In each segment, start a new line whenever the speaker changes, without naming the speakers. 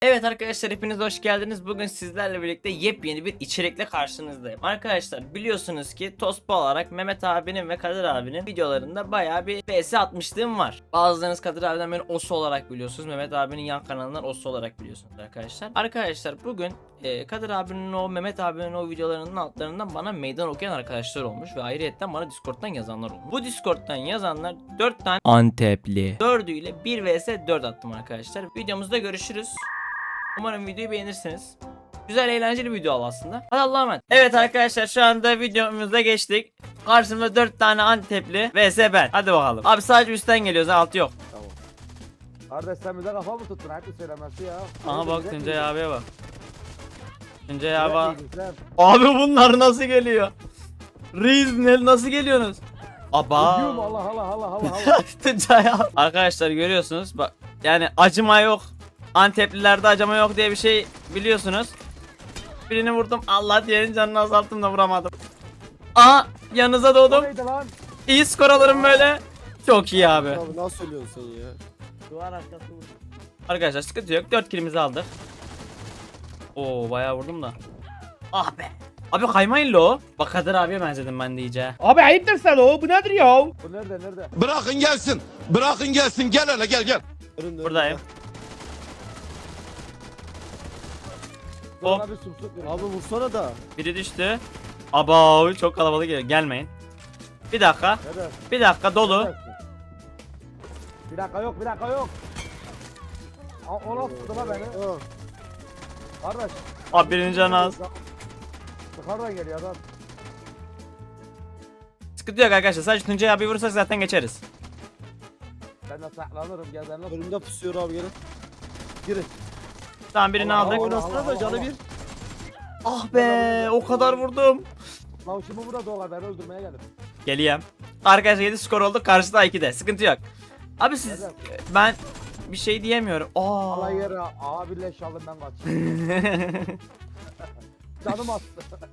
Evet arkadaşlar hepiniz hoş geldiniz. Bugün sizlerle birlikte yepyeni bir içerikle karşınızdayım. Arkadaşlar biliyorsunuz ki Tospa olarak Mehmet abinin ve Kadir abinin videolarında bayağı bir vs atmışlığım var. Bazılarınız Kadir abiden beni Osu olarak biliyorsunuz. Mehmet abinin yan kanalından Osu olarak biliyorsunuz arkadaşlar. Arkadaşlar bugün Kadir abinin o Mehmet abinin o videolarının altlarından bana meydan okuyan arkadaşlar olmuş ve ayrıyetten bana Discord'dan yazanlar olmuş. Bu Discord'dan yazanlar 4 tane Antepli. 4'üyle 1 vs 4 attım arkadaşlar. Videomuzda görüşürüz. Umarım videoyu beğenirsiniz. Güzel eğlenceli bir video oldu aslında. Hadi Allah'a emanet. Evet arkadaşlar şu anda videomuza geçtik. Karşımda 4 tane Antepli vs ben. Hadi bakalım. Abi sadece üstten geliyoruz, altı yok.
Tamam. Kardeş sen bize kafa mı tuttun? Hep söylemesi ya.
Aha bak
Direkt
Tuncay
mi-
abiye bak. Tuncay
direkt
abi.
mi gitsen?
Abi bunlar nasıl geliyor? Reis nasıl geliyorsunuz? Aba.
Ucum, Allah Allah Allah Allah Allah.
Tuncay abi. Arkadaşlar görüyorsunuz bak. Yani acıma yok. Anteplilerde acıma yok diye bir şey biliyorsunuz. Birini vurdum. Allah diğerinin canını azalttım da vuramadım. Aha yanınıza
O
doğdum.
neydi lan?
İyi skor alırım böyle. Çok iyi abi.
Abi nasıl söylüyorsun sen ya?
Duvar arkası vurdu.
Arkadaşlar sıkıntı yok. 4 kilimizi aldık. Oo bayağı vurdum da. Ah be. Abi kaymayın lo. Bak Kadir abiye benzedim ben de iyice.
Abi ayıptır Selo, bu nedir ya?
Bu nerede?
Bırakın gelsin. Bırakın gelsin. Gel hele gel gel.
Önümde,
Buradayım. Hop.
Bana bir sumsuk verin.
Abi vursana da.
Biri düştü. Aba çok kalabalık geliyor. Gelmeyin. Bir dakika.
Nerede?
Bir dakika dolu.
Neredesin? Bir dakika yok. O nasıl tuttu lan beni?
Ha.
Kardeş.
Abi birinin canı az.
Yukarıdan geliyor adam.
Sıkıntı yok arkadaşlar. Sadece Tuncay abi vurursak zaten geçeriz.
Ben de saklanırım gel ben nasıl?
Önümde pusuyor abi gelin. Girin.
Tamam birini
Allah
aldık.
Allah.
Oynasana da canı bir.
Ah be o kadar vurdum.
Lan şimdi burada dolar beni öldürmeye geldim.
Geleyim. Arkadaşlar 7 skor oldu. Karşıda 2'de. Sıkıntı yok. Abi siz
Neden?
ben bir şey diyemiyorum.
Allah
Aa.
yere abi leş aldım ben kaçayım. Canım attı.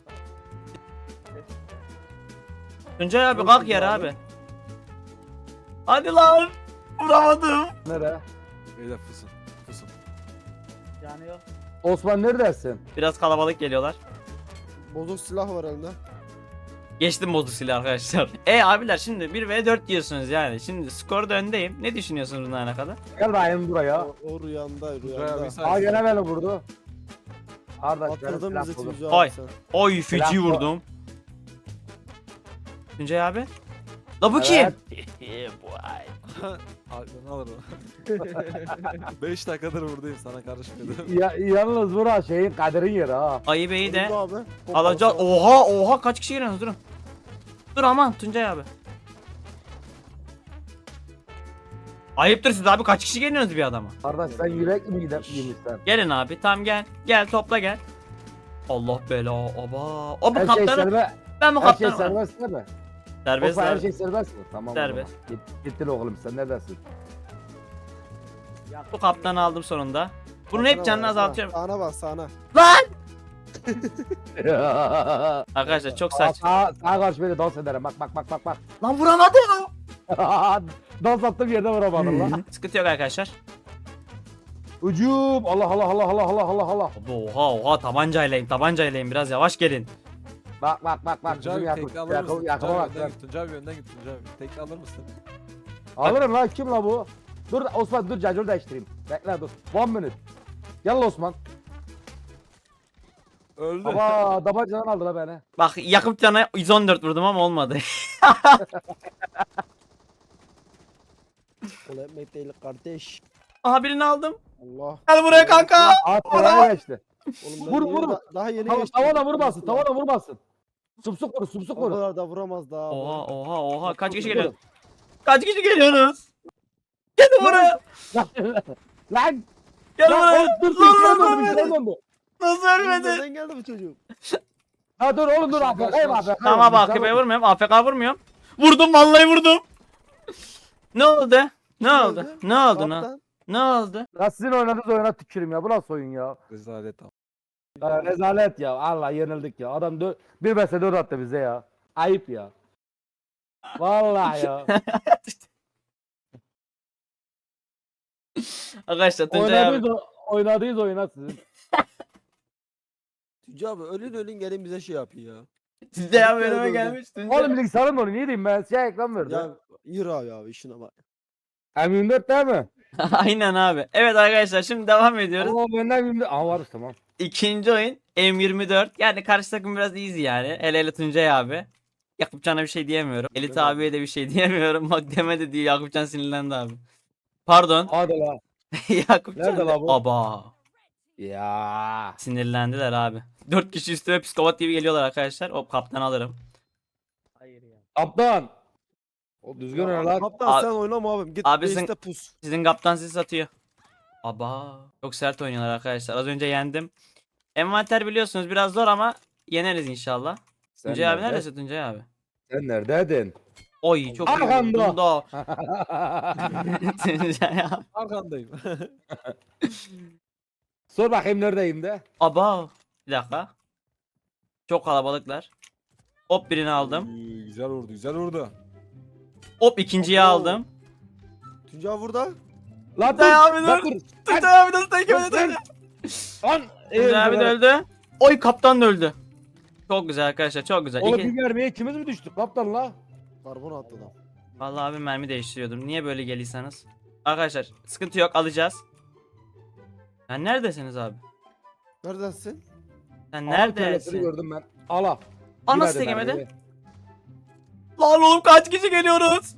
Tuncay abi
Yok
kalk
Tuncay
yere
abi.
abi. Hadi lan. Vuramadım.
Nere?
Beyler fısın. Fısın.
Yani yok.
Osman neredesin?
Biraz kalabalık geliyorlar.
Bozuk silah var elinde.
Geçtim bozuk silah arkadaşlar. Abiler şimdi 1v4 diyorsunuz yani. Şimdi skorda öndeyim. Ne düşünüyorsunuz bundan alakalı?
Gel bayım buraya.
O rüyanda.
Aa gene beni vurdu. Kardeş beni
Attırdın
silah
bizi
buldu.
Tuncay
Oy.
abi sen.
Oy feci
Silah bu.
vurdum. Tuncay abi. La bu
Evet.
kim?
Aklını alır o. 5 dakikadır buradayım sana karışmıyordum.
Yalnız bura şeyin Kadir'in yeri ha.
Ayı Bey'i de
Önümde abi.
alacağız. Oha kaç kişi geliyorsunuz durun. Dur aman Tuncay abi. Ayıptır siz abi kaç kişi geliyorsunuz bir adama?
Kardeş sen yürek mi yemişsen?
Gelin abi tamam gel. Gel topla gel. Allah bela aba. O bu
Her şey
kaptanı.
serbest.
Ben bu
Her şey
kaptanım.
serbest değil mi?
Serbest
Osman her
abi.
şey serbest mi? Tamam.
Serbest.
O zaman. Gittin oğlum sen neredesin?
Bu kaptanı aldım sonunda. Bunun hep canını azaltıyorum.
Sağına bak sağına.
Lan! Arkadaşlar çok saç.
Sağa karşı beni dans ederim. Bak.
Lan vuramadım.
Dans attığım yerde vuramadın lan.
Sıkıntı yok arkadaşlar.
Ucum. Allah.
Oha tabancaylayım biraz yavaş gelin.
Bak.
Tuncay
Bizim
abi tekli alır mısın?
yakıma bak.
Tuncay abi önden git Tuncay abi. Tekli alır mısın?
Alırım lan kim la bu? Dur Osman dur cacır değiştireyim. Bekle dur. 1 minute. Gel Osman.
Öldü.
Baba tabancadan aldı la beni.
Bak yakıp cana 114 vurdum ama olmadı.
Kolay etmek değil kardeş.
Aha birini aldım.
Allah.
Gel buraya kanka.
Aa tavana geçti.
Oğlum
Vur,
ben
vur.
Daha yeni
Tavana
geçtim.
vurmasın. Sumsuk
O
vur.
kadar da vuramaz daha.
Oha kaç kişi
Vur.
geliyor? Kaç kişi geliyorsunuz? Gelin buraya.
Lan.
Gel buraya.
Dur
Lan.
döndü.
Nasıl ölmedi?
Nereden geldi bu çocuk?
Ha dur oğlum dur AFK AFK.
Tamam bak AFK'ye vurmuyorum. AFK vurmuyorum. Vurdum vallahi vurdum. Ne oldu? Ne oldu? Ne oldu?
Kaptan.
Ne oldu?
Ya sizin oynadığınız oyuna tükürüm ya. Bu nasıl oyun ya?
Rezalet ama.
Ya rezalet ya. Allah yenildik ya. Adam bir mesele 4 attı bize ya. Ayıp ya. Vallahi ya.
Arkadaşlar Tuncay abi.
oynadığınız oyuna sizin.
Tuncay abi ölün gelin bize şey yapıyor ya.
Tuncay abi
Gel
önüme
böyle.
gelmiş. Tuncay.
Oğlum bilgisayarın onu niye diyeyim ben? Siyah ekran verdi.
Ya yürü abi işine bak.
M24 değil mi?
Aynen abi. Evet arkadaşlar şimdi devam ediyoruz.
Ama benden M24. Aa var tamam.
İkinci oyun M24. Yani karşı takım biraz easy yani. Hele hele Tuncay abi. Yakupcan'a bir şey diyemiyorum. Elit
Değil mi?
abiye de bir şey diyemiyorum. Bak demedi diye Yakupcan sinirlendi abi. Pardon.
Hadi la.
Yakupcan.
Nerede la bu?
Aba.
Ya.
Sinirlendiler abi. 4 kişi üstüme psikopat gibi geliyorlar arkadaşlar. Hop kaptan alırım.
Kaptan. O düzgün oyna lan.
Kaptan
Abi-
sen oynama abim. Git
Abi
base'te
sen-
pus.
Sizin kaptan sizi satıyor. Aba. Çok sert oynuyorlar arkadaşlar. Az önce yendim. Envanter biliyorsunuz biraz zor ama yeneriz inşallah.
Sen
Tuncay abi
nerede?
neredesin Tuncay abi?
Sen neredeydin?
Oy çok iyi
Arkanda.
vurdun da. Tuncay abi.
Arkandayım.
Sor bakayım neredeyim de.
Aba. Bir dakika. Çok kalabalıklar. Hop birini aldım.
Güzel vurdu güzel vurdu.
Hop ikinciyi
Abo.
aldım.
Tuncay abi burada.
Lan
Tuncay abi
Lan
dur. Tuncay abi nasıl tek yemedi?
Lan.
Tuncay abi de öldü. Oy kaptan da öldü. Çok güzel arkadaşlar çok güzel.
Oğlum
İki...
bir mermiye ikimiz mi düştük kaptan la?
Karbon attı adam.
Vallahi abi mermi değiştiriyordum. Niye böyle geliyseniz? Arkadaşlar sıkıntı yok alacağız. Sen neredesiniz abi?
Neredesin?
Sen
Neredesini
neredesin?
gördüm ben. Ala.
Aa nasıl
Girmedi
tekemedi?
mermiye.
Lan oğlum kaç kişi geliyoruz?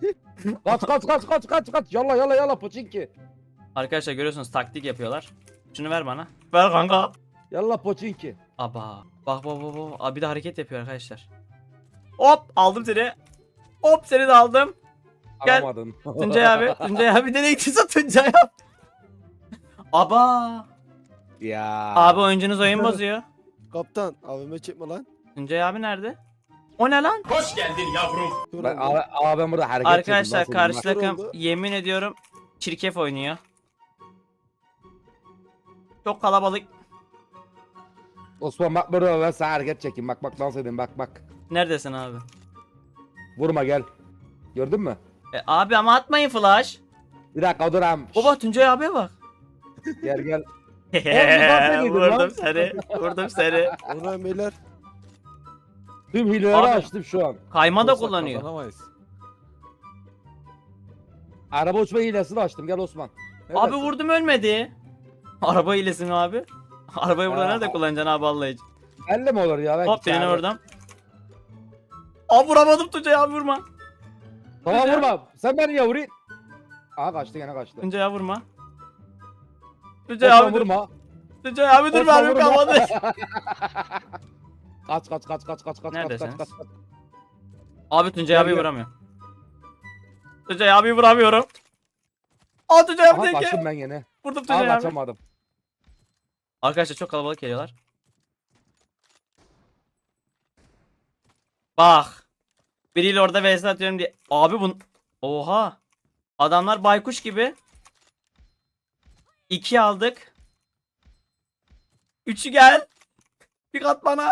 Kaç. Yalla poçinki.
Arkadaşlar görüyorsunuz taktik yapıyorlar. Şunu ver bana. Ver kanka.
Yalla poçinki.
Aba. Bak. Abi de hareket yapıyor arkadaşlar. Hop aldım seni. Hop seni de aldım. Gel.
Alamadın.
Tuncay abi. Tuncay abi nereye gittiyse Tuncay abi. Aba.
Ya.
Abi oyuncunuz oyun bozuyor.
Kaptan abime çekme lan.
Tuncay abi nerede? O ne lan?
Dur
Ben,
oğlum.
abi ben burada hareket
Arkadaşlar
çektim,
karşı
nasıl
Nasıl
takım
oldu?
yemin ediyorum çirkef oynuyor. Çok kalabalık.
Osman bak burada ben sana hareket çekeyim. Bak dans edeyim bak.
Neredesin abi?
Vurma gel. Gördün mü?
Abi ama atmayın flash.
Bir dakika dur am.
Baba Tuncay abiye bak.
Gel. ediyordun lan.
Vurdum seni. Vurdum seni.
Ona beyler.
Tüm hileleri
Abi.
açtım şu an.
Kayma da
Olsak
kullanıyor.
Kazanamayız.
Araba uçma hilesini açtım. Gel Osman.
Abi
Neredesin?
vurdum ölmedi. Araba hilesi mi abi? Arabayı burada
Ya.
nerede kullanacaksın abi Allah için?
Elle mi olur ya? Belki
Hop birini
çağırır.
vurdum. Abi vuramadım Tuncay abi vurma.
Tamam vurma. Sen beni ya vurayım. Aa kaçtı gene kaçtı.
Tuncay abi vurma. Tuncay
Osman
abi dur.
vurma.
Tuncay abi dur
Osman
mermim
vurma.
kalmadı.
Kaç.
Neredesiniz?
Kaç.
Abi Tuncay
Gel,
abi
gel.
vuramıyor. Tuncay abi vuramıyorum. Aa Tuncay abi
Aha
teke.
kaçtım ben yine.
Vurdum
Aa
Tuncay abi.
kaçamadım.
Arkadaşlar çok kalabalık geliyorlar. Bak. Biriyle orada vs atıyorum diye. Abi bun... Oha. Adamlar baykuş gibi. 2 aldık. 3'ü gel. Bir kat bana.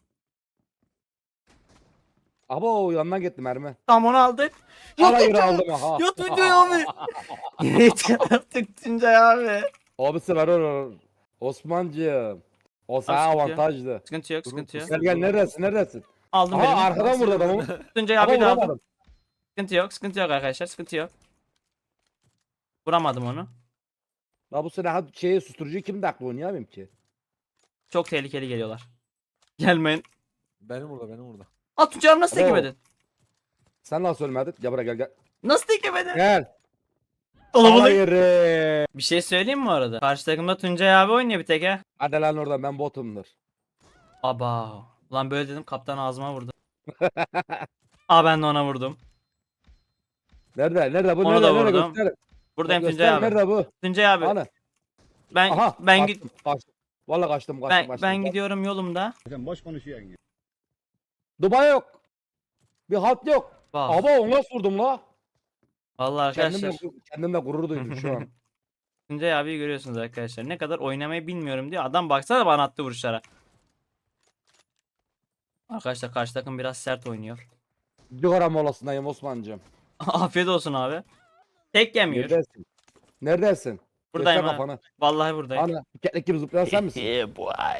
Abo yanından gitti mermi.
Tam onu aldık.
Hala yürü aldım aha.
Ya Tuncay abi. Yeter artık Tuncay abi.
Abisi ver olur. Osmancığım. O sana
Abi, sıkıntı yok.
avantajlı.
Sıkıntı yok sıkıntı yok.
Gel neredesin?
Aldım
Aha
birini.
arkadan vurdu adamı.
Tuncay
Ama
abi de aldım.
vuramadım.
Sıkıntı yok arkadaşlar sıkıntı yok. Vuramadım onu.
La bu sene şeyi susturucu kim dakika oynayamıyorum ki.
Çok tehlikeli geliyorlar. Gelmeyin.
Benim burada.
Aa Tuncay abi nasıl
Abo.
tekemedin?
Sen nasıl ölmedin? Gel buraya gel.
Nasıl tekemedin?
Gel.
Kalabalık.
Hayır.
Bir şey söyleyeyim mi orada? Karşı takımda Tuncay abi oynuyor bir tek ha.
Hadi lan oradan ben botumdur.
Aba. Ulan böyle dedim kaptan ağzıma vurdu. Aa ben de ona vurdum.
Nerede bu?
Onu da
Nerede
vurdum.
göster.
Buradayım
Göster,
Tuncay abi.
Nerede bu?
Tuncay abi.
Ana.
Ben
Aha.
ben git
Kaçtım. Vallahi kaçtım.
ben gidiyorum yolumda.
Dubai yok. Bir halt yok.
Bak.
Aba onu nasıl vurdum la?
Vallahi arkadaşlar.
Kendimle gurur duydum şu an.
Tuncay abiyi görüyorsunuz arkadaşlar. Ne kadar oynamayı bilmiyorum diye. Adam baksana bana attı vuruşlara. Arkadaşlar karşı takım biraz sert oynuyor.
Cigara molasındayım Osman'cığım.
Afiyet olsun abi. Tek yemiyor.
Neredesin?
Buradayım
Göster
ha.
kafanı.
Vallahi buradayım.
Ana keklik gibi zıplayan sen misin?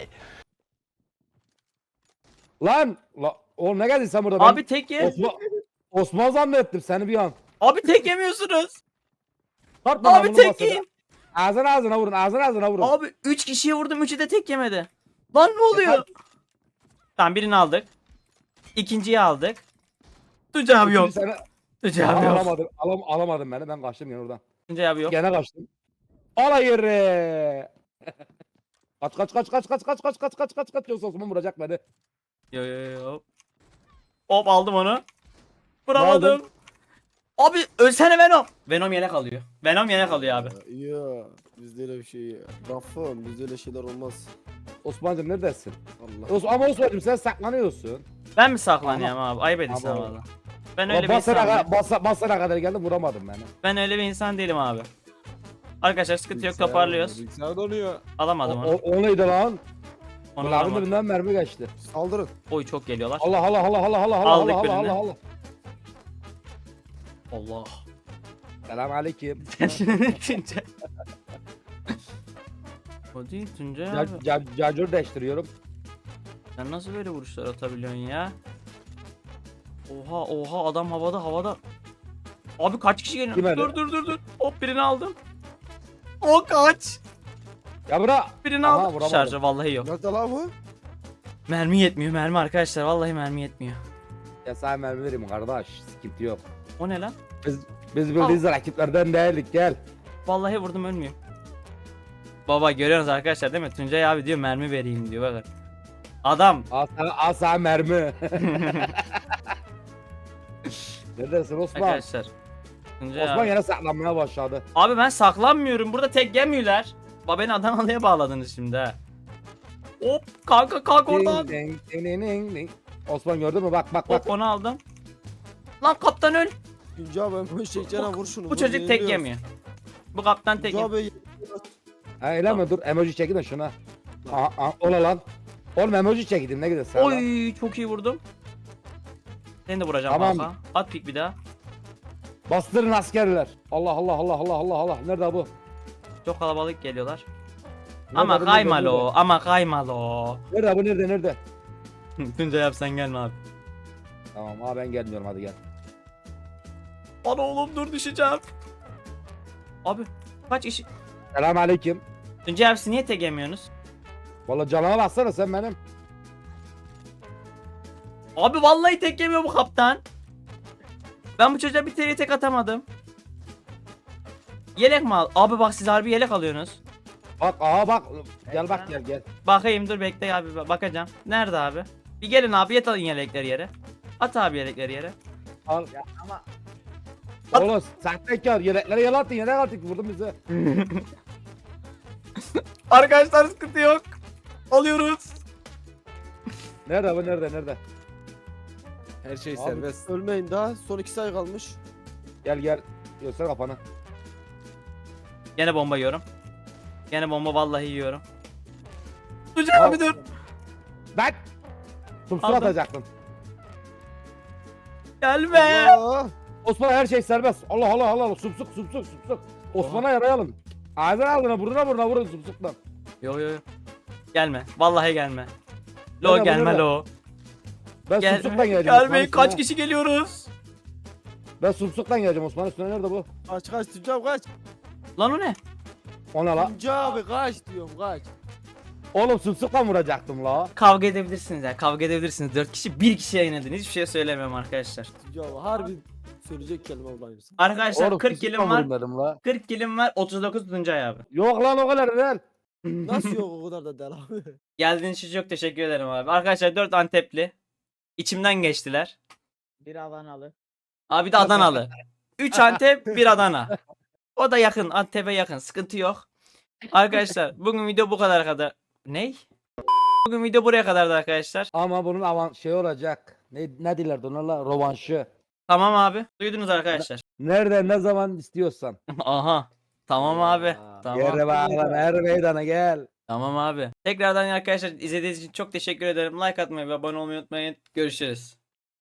Lan oğlum ne geldin sen burada?
Abi tek ye.
Osman zannettim seni bir an.
Abi tek yemiyorsunuz.
Tartma lan
Abi
bunu
tek
masada.
yiyin.
Ağzına vurun ağzına vurun.
Abi 3 kişiye vurdum 3'ü de tek yemedi. Lan ne oluyor? Tamam birini aldık. İkinciyi aldık. Tuncay abi yok.
Seni...
Tuncay abi yok.
Alamadım beni ben kaçtım gene oradan.
Tuncay abi yok.
Gene kaçtım. Ala yere. Kaç yoksa Osman vuracak beni.
Yo yo yo. Hop aldım onu.
aldın?
Vuramadım. Abi ölsene Venom. Venom yelek alıyor. Venom yelek alıyor abi.
Ya bizde öyle bir şey ya. Rafon bizde öyle şeyler olmaz.
Osman'cım neredesin?
Allah.
Ama Osman'cım sen saklanıyorsun.
Ben mi saklanıyorum abi? Ayıp ediyorsun
Ama-
valla. Ben öyle bir insan değilim.
Basana kadar geldim vuramadım beni.
Ben öyle bir insan değilim abi. Arkadaşlar sıkıntı yok
Bilgisayar
toparlıyoruz.
donuyor, Bilgisayar donuyor.
Alamadım onu.
O neydi lan?
Onu
Kulağımın
alamadım.
birinden mermi geçti.
Saldırın.
Oy çok geliyorlar.
Allah.
Aldık birini. Allah.
Selam aleyküm.
Tuncay. O değil Tuncay abi.
Cacur değiştiriyorum.
Sen nasıl böyle vuruşlar atabiliyorsun ya? Oha adam havada. Abi kaç kişi geliyor?
Kim öyle?
Dur. Hop birini aldım. O kaç.
Ya bura.
Birini
Aha,
aldım.
vuramadım.
Şarjı vallahi yok.
Nerede lan bu?
Mermi yetmiyor mermi arkadaşlar. Vallahi mermi yetmiyor.
Ya sana mermi vereyim kardeş. Sıkıntı yok.
O ne lan?
Biz bildiğiniz rakiplerden değildik gel.
Vallahi vurdum ölmüyor. Baba görüyorsunuz arkadaşlar değil mi? Tuncay abi diyor mermi vereyim diyor bakın. Adam.
Al sana mermi. Neredesin Osman?
Arkadaşlar. Tuncay
Osman
abi.
yine saklanmaya başladı.
Abi ben saklanmıyorum. Burada tek yemiyorlar. Beni Adanalı'ya bağladınız şimdi ha. Hop kanka kalk oradan.
Ding. Osman gördün mü? Bak.
Hop onu aldım. Lan kaptan öl.
Güncü abi ben bu çekeceğine vur şunu.
Bu
vur,
çocuk tek
yeniliyoruz.
yemiyor. Bu kaptan tek
Güncü
yemiyor.
abi
Ha öyle mi? Dur emoji çekin de şuna. Aha, ola lan. Oğlum emoji çektim ne gidiyorsun?
Oy çok iyi vurdum. Seni de vuracağım
Tamam.
kanka. At pik bir daha.
Bastırın askerler. Allah. Nerede bu?
Çok kalabalık geliyorlar.
Nerede
Ama
bu,
kaymalı ama kaymalı.
Nerede?
Tuncay yap sen gelme abi.
Tamam abi ben gelmiyorum hadi gel.
Ana oğlum dur düşeceğim. Abi kaç kişi?
Selam aleyküm.
Tuncay abi siz niye tek yemiyorsunuz?
Valla canına baksana sen benim.
Abi vallahi tek yemiyor bu kaptan. Ben bu çocuğa bir tane tek atamadım. Yelek mi al? Abi bak siz harbi yelek alıyorsunuz.
Bak. Gel bak gel.
Bakayım dur bekle abi bakacağım. Nerede abi? Bir gelin abi yat alın yelekleri yere. At abi yelekleri yere.
Al.
At.
Oğlum sahtekar yelekleri yalattın yelek attık vurdun bizi.
Arkadaşlar sıkıntı yok. Alıyoruz.
Nerede bu nerede?
Her şey
Abi,
serbest.
ölmeyin daha. Son 2 say kalmış.
Gel. Göster kafanı.
Gene bomba yiyorum. Gene bomba vallahi yiyorum. Tuncay
Al.
abi dur.
Bak. Sumsur
Aldım.
atacaktın.
Gelme.
Allah.
Osman her şey serbest. Allah. Sumsuk. Osman'a yarayalım. Ağzına aldığına burnuna vurun sumsuktan.
Yo. Gelme. Vallahi gelme. Lo
Nerede bu,
gelme
nerede?
lo.
Ben
Gel.
sumsuktan geleceğim.
Gelmeyin
Osman'ın
kaç
üstüne.
kişi geliyoruz?
Ben sumsuktan geleceğim Osman üstüne nerede bu?
Kaç Tuncü abi kaç.
Lan o ne?
Ona la.
Tuncü abi kaç diyorum kaç.
Oğlum sumsukla vuracaktım la.
Kavga edebilirsiniz ya. Kavga edebilirsiniz. 4 kişi 1 kişiye yenildin. Hiçbir şey söylemiyorum arkadaşlar.
Tuncü abi harbi söyleyecek kelime bulayım.
Arkadaşlar
Oğlum
40
sumsukla
kilim var.
vurun dedim la.
40 kilim var. 39 Tuncay abi.
Yok lan o kadar değil.
Nasıl yok o kadar da del abi.
Geldiğiniz için çok teşekkür ederim abi. Arkadaşlar 4 Antepli. İçimden geçtiler.
Bir Adanalı.
Abi bir de Adanalı. 3 Antep 1 Adana. O da yakın. Antep'e yakın. Sıkıntı yok. Arkadaşlar bugün video bu kadar. Ney? Bugün video buraya kadardı arkadaşlar.
Ama bunun şey olacak. Ne dilerdi onlarla? Rovanşı.
Tamam abi. Duydunuz arkadaşlar.
Nerede ne zaman istiyorsan.
Aha. Tamam abi.
Ya.
Tamam.
Gel bakalım her meydana gel.
Tamam abi. Tekrardan arkadaşlar izlediğiniz için çok teşekkür ederim. Like atmayı ve abone olmayı unutmayın. Görüşürüz.